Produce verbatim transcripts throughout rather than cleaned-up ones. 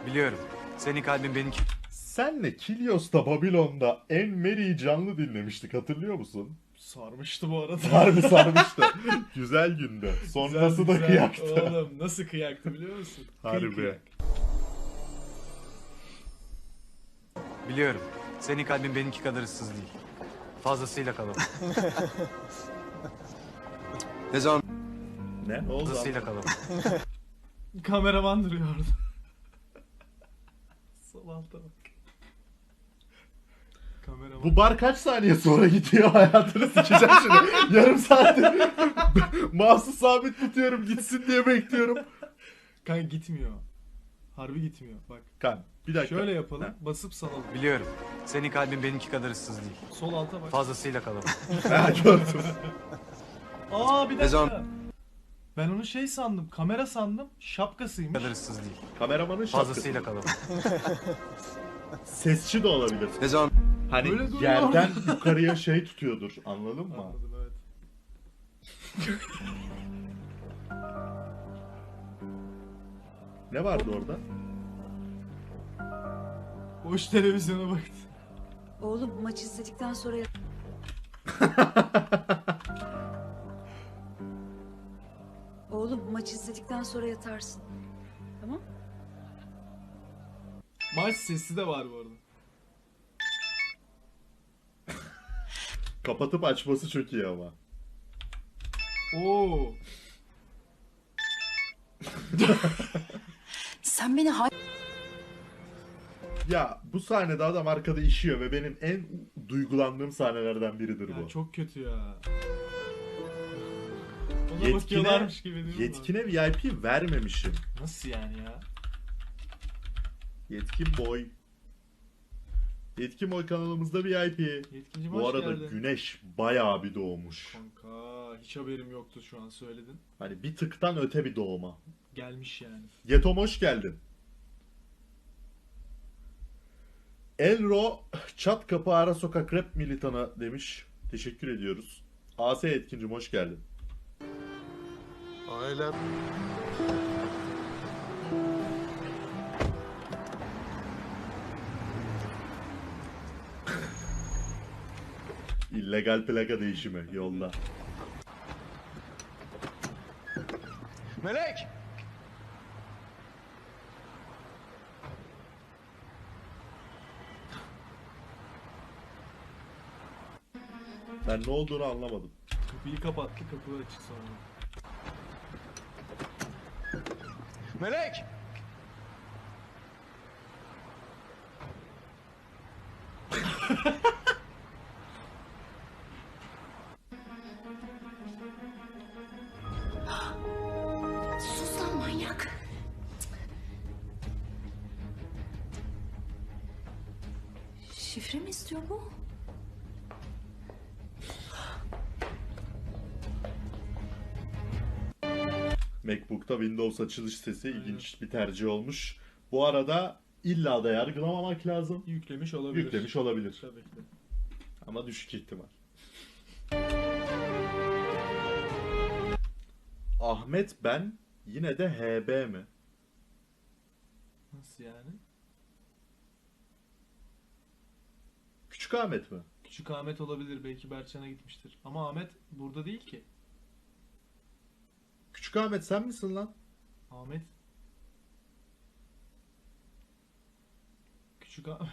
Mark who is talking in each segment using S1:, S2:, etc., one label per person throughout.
S1: Biliyorum. Senin kalbin benimki.
S2: Senle Kilios'ta Babilon'da En Mary'i canlı dinlemiştik, hatırlıyor musun?
S3: Sarmıştı bu arada.
S2: Harbi sarmıştı. Güzel gündü. Sonrası da
S3: Güzel,
S2: kıyaktı.
S3: Oğlum nasıl kıyaktı biliyor musun? Kıy
S2: Harbi.
S3: kıyak.
S1: Biliyorum. Senin kalbin benimki kadar ıssız değil. Fazlasıyla kalabalık.
S4: Ne zaman?
S2: Ne? Ne oldu?
S1: Fazlasıyla kalabalık.
S3: Kameraman duruyor orada. Sol alta bak. Kameraman.
S2: Bu bar kaç saniye sonra gidiyor, hayatını sikeceğim şimdi. Yarım saattir mouse'u sabit tutuyorum gitsin diye bekliyorum.
S3: Kanka gitmiyor. Harbi gitmiyor bak.
S2: Kan bir dakika.
S3: Şöyle yapalım.
S2: Ha.
S3: Basıp salalım.
S1: Biliyorum. Senin kalbin benimki kadar ıssız değil.
S3: Sol alta bak.
S1: Fazlasıyla kalabalık.
S2: Ha, gördüm.
S3: Aa bir
S4: Ne
S3: dakika.
S4: zaman?
S3: Ben onu şey sandım. Kamera sandım. Şapkasıymış.
S1: kadar ıssız değil.
S2: Kameramanın şapkası.
S1: Fazlasıyla kalabalık.
S2: Sesçi de olabilir.
S4: Ne zaman?
S2: Hani
S3: Böyle duruyor.
S2: yerden yukarıya şey tutuyordur, anladın mı?
S3: Anladım evet.
S2: Ne vardı orada?
S3: Boş televizyona baktı.
S5: Oğlum maç izledikten sonra yat- Oğlum maç izledikten sonra yatarsın. Tamam?
S3: Maç sesi de var bu arada.
S2: Kapatıp açması çok iyi ama.
S3: Oo.
S5: Sen beni hay...
S2: Ya bu sahnede adam arkada işiyor ve benim en duygulandığım sahnelerden biridir
S3: Ya
S2: bu.
S3: çok kötü ya. Ona
S2: Yetkine,
S3: bakıyorlarmış gibi değil mi?
S2: yetkine V I P vermemişim.
S3: Nasıl yani ya?
S2: Yetkin boy. Yetkin boy kanalımızda V I P.
S3: Yetkinci
S2: Bu
S3: hoş
S2: arada
S3: geldin.
S2: güneş bayağı bir doğmuş.
S3: Kanka hiç haberim yoktu şu an söyledin.
S2: Hani bir tıktan öte bir doğuma.
S3: Gelmiş yani.
S2: Yetom hoş geldin. Elro çat kapı ara sokak rap militanı demiş. Teşekkür ediyoruz. A S Yetkincim hoş geldin.
S4: Ailem.
S2: İllegal plaka değişimi yolda.
S4: Melek!
S2: Ben ne olduğunu anlamadım.
S3: Kapıyı kapattı, kapı açık sonra.
S4: Melek!
S5: Sus lan manyak. Şifre mi istiyor bu?
S2: MacBook'ta Windows açılış sesi ilginç bir tercih olmuş. Bu arada illa da yargılamamak lazım.
S3: Yüklemiş olabilir.
S2: Yüklemiş olabilir.
S3: Tabii ki.
S2: Ama düşük ihtimal. Ahmet ben yine de H B mi?
S3: Nasıl yani?
S2: Küçük Ahmet mi?
S3: Küçük Ahmet olabilir. Belki Berçan'a gitmiştir. Ama Ahmet burada değil ki.
S2: Küçük Ahmet sen misin lan?
S3: Ahmet. Küçük Ahmet.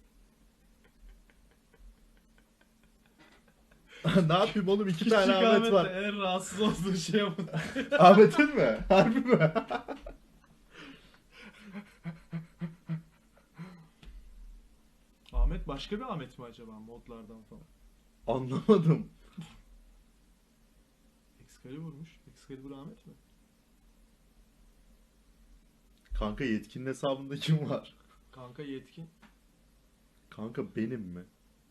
S2: Ne yapayım oğlum, iki
S3: Küçük
S2: tane Ahmet
S3: Ahmet'le
S2: var.
S3: en rahatsız olduğu şey bu.
S2: Ahmet'in mi? Harbi mi?
S3: Ahmet başka bir Ahmet mi acaba modlardan falan?
S2: Anlamadım.
S3: Excalibur'muş. Excalibur Ahmet mi?
S2: Kanka yetkinin hesabında kim var?
S3: Kanka yetkin.
S2: Kanka benim mi?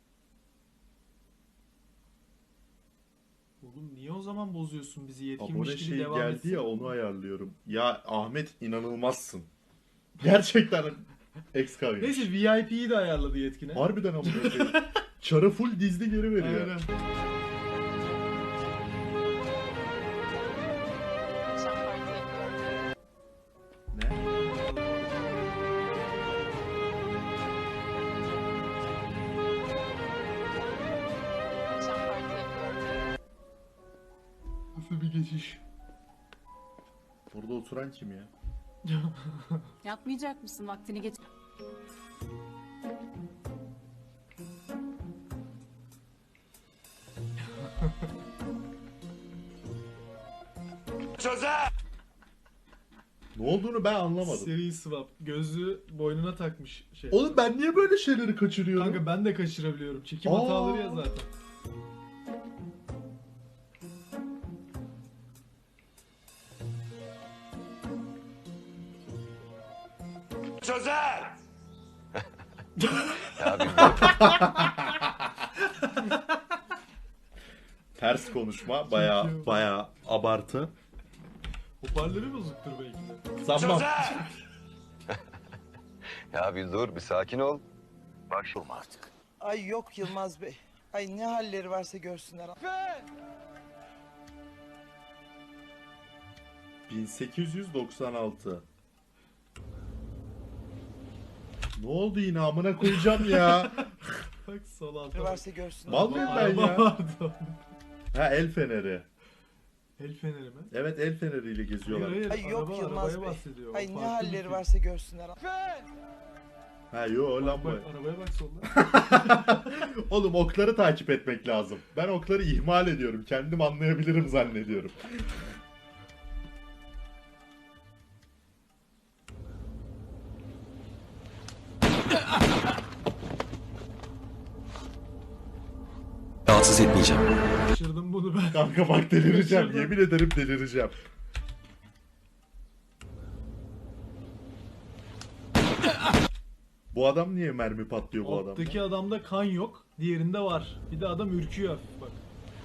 S3: Oğlum niye o zaman bozuyorsun bizi yetkinmiş
S2: Abone
S3: gibi
S2: şey
S3: devam
S2: geldi
S3: etsin.
S2: ya, onu ayarlıyorum. Ya Ahmet inanılmazsın. Gerçekten Excalibur.
S3: Neyse V I P'yi de ayarladı yetkine.
S2: Harbiden amına koyayım. Çarı full dizli geri veriyor.
S3: Aynen.
S2: Ne?
S3: bir geçiş.
S2: Burada oturan kim ya?
S5: Yatmayacak mısın? Vaktini geç.
S2: Ne olduğunu ben anlamadım.
S3: Seri swap. Gözlüğü boynuna takmış şey.
S2: Oğlum ben niye böyle şeyleri kaçırıyorum?
S3: Kanka ben de kaçırabiliyorum. Çekim
S2: Aa.
S3: hataları ya zaten.
S2: Ters konuşma baya
S3: iyi.
S2: baya abartı.
S3: Hoparlörü bozuktur belki de.
S2: Sanmam.
S6: Ya bir dur, bir sakin ol. Bak şu artık.
S7: Ay yok Yılmaz Bey. Ay ne halleri varsa görsünler.
S2: bin sekiz yüz doksan altı. Ne oldu yine amına koyacağım ya.
S3: Bak sol altta.
S7: Ne varsa görsünler.
S2: Mal mıyım ben
S3: Araba
S2: ya?
S3: vardı onun.
S2: Ha el feneri.
S3: El feneri mi?
S2: Evet el feneriyle
S3: Hayır
S2: geziyorlar.
S3: hayır.
S7: Ay yok
S3: araba,
S7: Yılmaz
S3: arabaya
S7: Bey.
S3: bahsediyor.
S7: Ay ne
S3: Farklı bir
S7: halleri
S3: şey.
S7: varsa görsünler.
S2: Ha yo
S3: Bak,
S2: lamba.
S3: bak, arabaya bak solda.
S2: Oğlum okları takip etmek lazım. Ben okları ihmal ediyorum. Kendim anlayabilirim zannediyorum.
S4: Rahatsız etmeyeceğim.
S3: Kaçırdım bunu ben.
S2: Kanka bak delireceğim.
S3: Kaçırdım.
S2: Yemin ederim delireceğim. Bu adam niye mermi patlıyor bu adamda?
S3: Alttaki adamda kan yok. Diğerinde var. Bir de adam ürküyor hafif bak.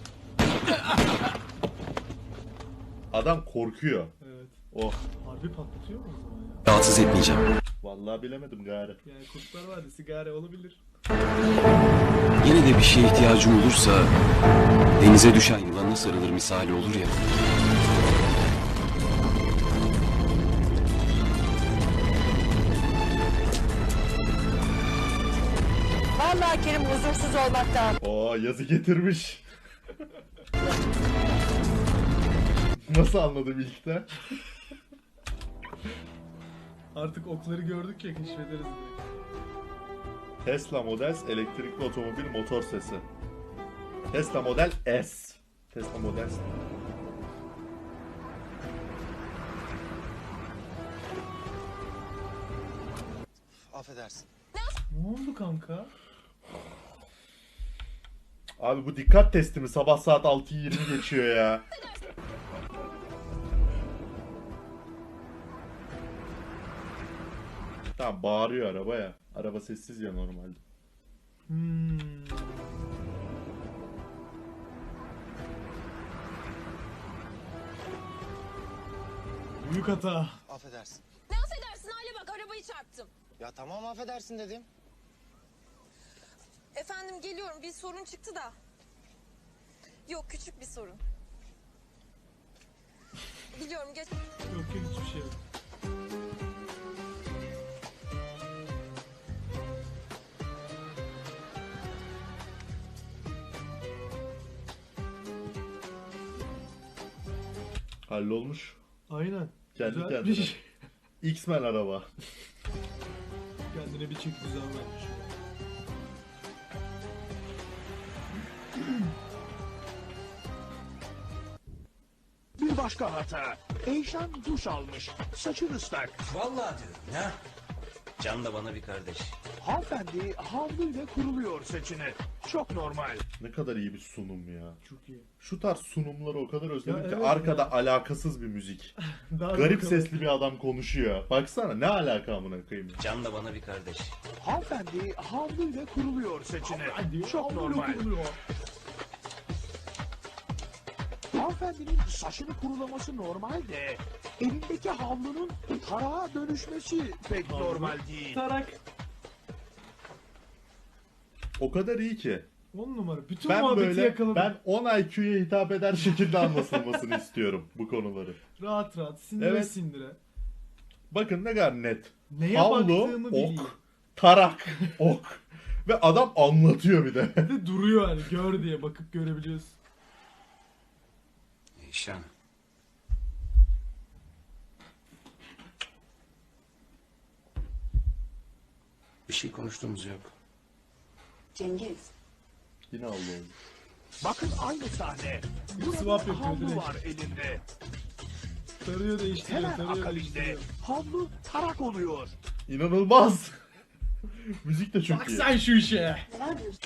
S2: Adam korkuyor.
S3: Evet.
S2: Oh.
S3: Harbi patlatıyor mu o zaman ya?
S4: Rahatsız etmeyeceğim.
S2: Vallahi bilemedim gari.
S3: Yani kurtlar vardı sigara olabilir.
S4: Yine de bir şeye ihtiyacım olursa denize düşen yılana sarılır misali olur ya.
S8: Vallahi Kerim huzursuz olmaktan.
S2: Oo yazı getirmiş. Nasıl anladım ilkten?
S3: Artık okları gördük ya keşfederiz direkt.
S2: Tesla Model S elektrikli otomobil motor sesi. Tesla Model S. Tesla Model S.
S7: Affedersin.
S3: Ne oldu kanka?
S2: Abi bu dikkat testi mi? Sabah saat altı yirmi geçiyor ya. Tamam bağırıyor araba ya. Araba sessiz ya normalde.
S3: Hmm. Büyük hata.
S7: Affedersin.
S8: Ne affedersin hale bak arabayı çarptım.
S7: Ya tamam affedersin dedim.
S8: Efendim geliyorum bir sorun çıktı da. Yok küçük bir sorun. Biliyorum geç.
S3: Yok yok hiçbir şey yok.
S2: Hallolmuş.
S3: Aynen.
S2: Kendi
S3: Güzel
S2: kendine.
S3: bir şey.
S2: X-Men araba.
S3: Kendine bir çek düzen vermiş.
S9: Bir başka hata. Eyşan duş almış. Saçı ıslak.
S10: Vallahi diyorum ya. Can da bana bir kardeş.
S9: Hanımefendi havluyla kuruluyor saçını. Çok normal.
S2: Ne kadar iyi bir sunum ya.
S3: Çok iyi.
S2: Şu tarz sunumları o kadar özledim
S3: Ya
S2: ki
S3: evet
S2: arkada
S3: ya.
S2: alakasız bir müzik.
S3: Daha
S2: Garip
S3: bakalım.
S2: sesli bir adam konuşuyor. Baksana ne alaka amına koyayım.
S10: Can da bana bir kardeş.
S9: Hanımefendi havluyla kuruluyor saçını.
S3: Hadi,
S9: Çok
S3: havlu
S9: normal.
S3: kuruluyor.
S9: Hanımefendinin saçını kurulaması normal de elindeki havlunun tarağa dönüşmesi pek
S3: Havlu.
S9: normal değil.
S3: Tarak.
S2: O kadar iyi ki.
S3: On numara. Bütün
S2: Ben
S3: muhabbeti
S2: böyle
S3: yakaladım.
S2: ben on I Q'ya hitap eder şekilde anlatılmasını istiyorum bu konuları.
S3: Rahat rahat sindire
S2: Evet.
S3: sindire.
S2: Bakın ne kadar net.
S3: Neye
S2: Havlu,
S3: baktığımı
S2: ok,
S3: bileyim.
S2: tarak, ok. Ve adam anlatıyor bir de.
S3: Bir de duruyor hani gör diye bakıp görebiliyorsun.
S10: Eyşan. Bir şey konuştuğumuz yok.
S5: Cengiz.
S2: Yine Allah'ım.
S9: Bakın aynı sahne. Burada
S3: Swap yapıyor
S9: havlu
S3: direkt.
S9: var elinde.
S3: Tarıyor değiştiriyor,
S9: Hemen
S3: tarıyor
S9: akabinde
S3: değiştiriyor.
S9: havlu tarak oluyor.
S2: İnanılmaz. Müzik de çok
S3: Bak
S2: iyi.
S3: sen şu işe.
S5: Neler diyorsun?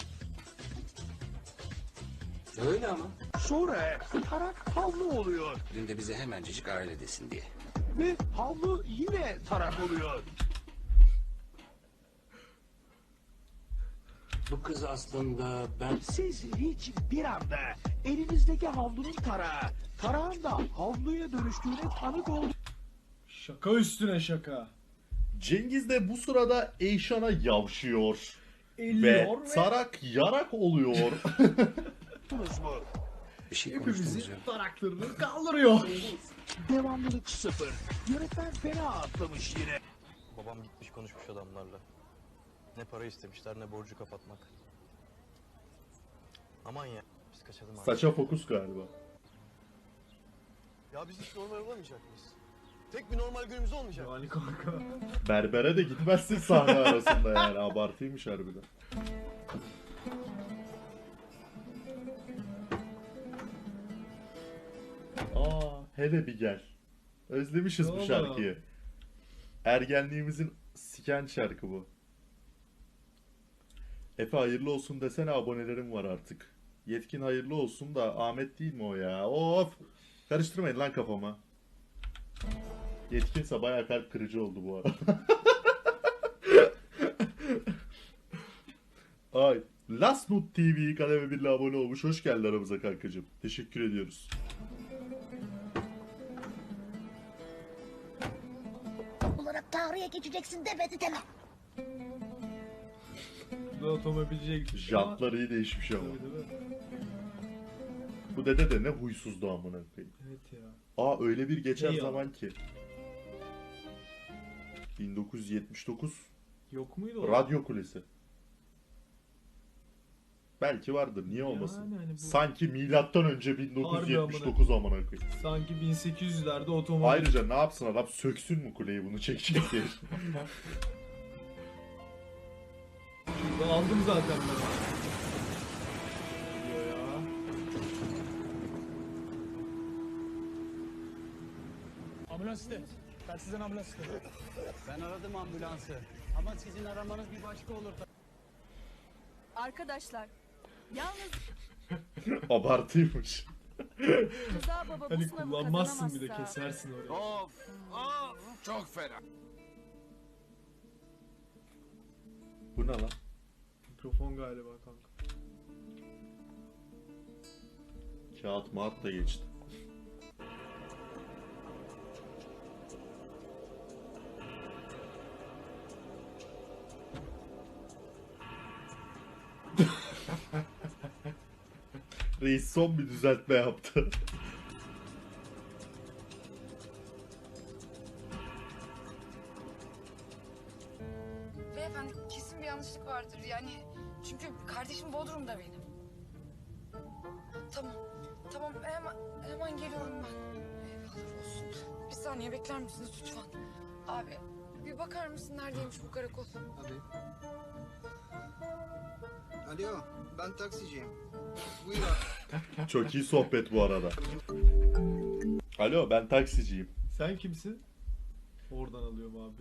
S10: Öyle ama.
S9: Sonra tarak havlu oluyor.
S10: Dün de bize hemencecik aile desin diye.
S9: Ve havlu yine tarak oluyor.
S10: Bu kız aslında ben...
S9: Siz hiç bir anda elinizdeki havlunun tarağı, tarağın da havluya dönüştüğüne tanık oldunuz.
S3: Şaka üstüne şaka.
S2: Cengiz de bu sırada Eyşan'a yavşıyor.
S3: Elliyor
S2: Ve
S3: ve
S2: tarak yarak oluyor.
S9: mu?
S10: Bir şey konuştuğumuz
S3: hepimizin
S10: yok.
S3: taraklarını kaldırıyor.
S9: Devamlılık sıfır. Yönetmen fena atlamış yine.
S11: Babam gitmiş konuşmuş adamlarla. Ne para istemişler ne borcu kapatmak. Aman ya biz kaçalım abi.
S2: Saça fokus galiba.
S11: Ya biz hiç normal olamayacak mıyız? Tek bir normal günümüz olmayacak.
S3: Yani kanka.
S2: Berbere de gitmezsin sahne arasında yani. Abartıymış harbiden. Aa, hele bir gel. Özlemişiz
S3: Ne
S2: bu
S3: oldu?
S2: şarkıyı. Ergenliğimizin siken şarkı bu. Efe hayırlı olsun desene, abonelerim var artık. Yetkin hayırlı olsun da Ahmet değil mi o ya? Of! Karıştırmayın lan kafama. Yetkinse bayağı kalp kırıcı oldu bu arada. Ay. Last Note T V kademe birle abone olmuş. Hoş geldin aramıza kankacığım. Teşekkür ediyoruz.
S5: Olarak tarihe geçeceksin demedi deme.
S3: Bu da otomobilciye gitmiş ama.
S2: Jantlar iyi değişmiş ama.
S3: Tabii, değil mi?
S2: Bu dede de ne huysuzdu amına koyayım.
S3: Evet ya.
S2: Aa öyle bir geçer
S3: İyi ya.
S2: zaman ki. bin dokuz yüz yetmiş dokuz
S3: Yok muydu o?
S2: Radyo Kulesi. Belki vardır. Niye olmasın?
S3: Yani hani bu-
S2: Sanki milattan önce bin dokuz yüz yetmiş
S3: Harbi
S2: dokuz amına koyayım.
S3: Sanki bin sekiz yüzlerde otomobil.
S2: Ayrıca ne yapsın adam, söksün mü kuleyi bunu çekecek diye.
S3: Şurada aldım zaten ben. Diyor ya.
S9: Ambulans iste. Ben sizden ambulans istedim.
S11: Ben aradım ambulansı. Ama sizin aramanız bir başka olur.
S8: Arkadaşlar, yalnız
S2: Abartıymış.
S8: Rıza Baba bu
S3: Hani
S8: sınavı
S3: kullanmazsın bir de
S8: kazanamazsa...
S3: kesersin orayı.
S11: Of! Of! Çok fena.
S2: Bu ne lan?
S3: Mikrofon galiba kanka.
S2: Kağıt mağat da geçti. Reis son bir düzeltme yaptı.
S8: Beyefendi kesin bir yanlışlık vardır yani. Çünkü kardeşim Bodrum'da benim. Tamam. Tamam hemen, hemen geliyorum ben. Eyvallah olsun. Bir saniye bekler misiniz lütfen? Abi bir bakar mısın neredeymiş bu karakol?
S11: Tabii. Alo, ben taksiciyim. Buyur abi.
S2: Çok iyi sohbet bu arada. Alo, ben taksiciyim.
S3: Sen kimsin? Oradan alıyor muhabbet.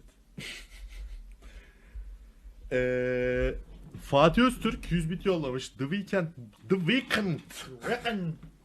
S2: Ee, Fatih Öztürk yüz bit yollamış. The Weeknd. The Weeknd.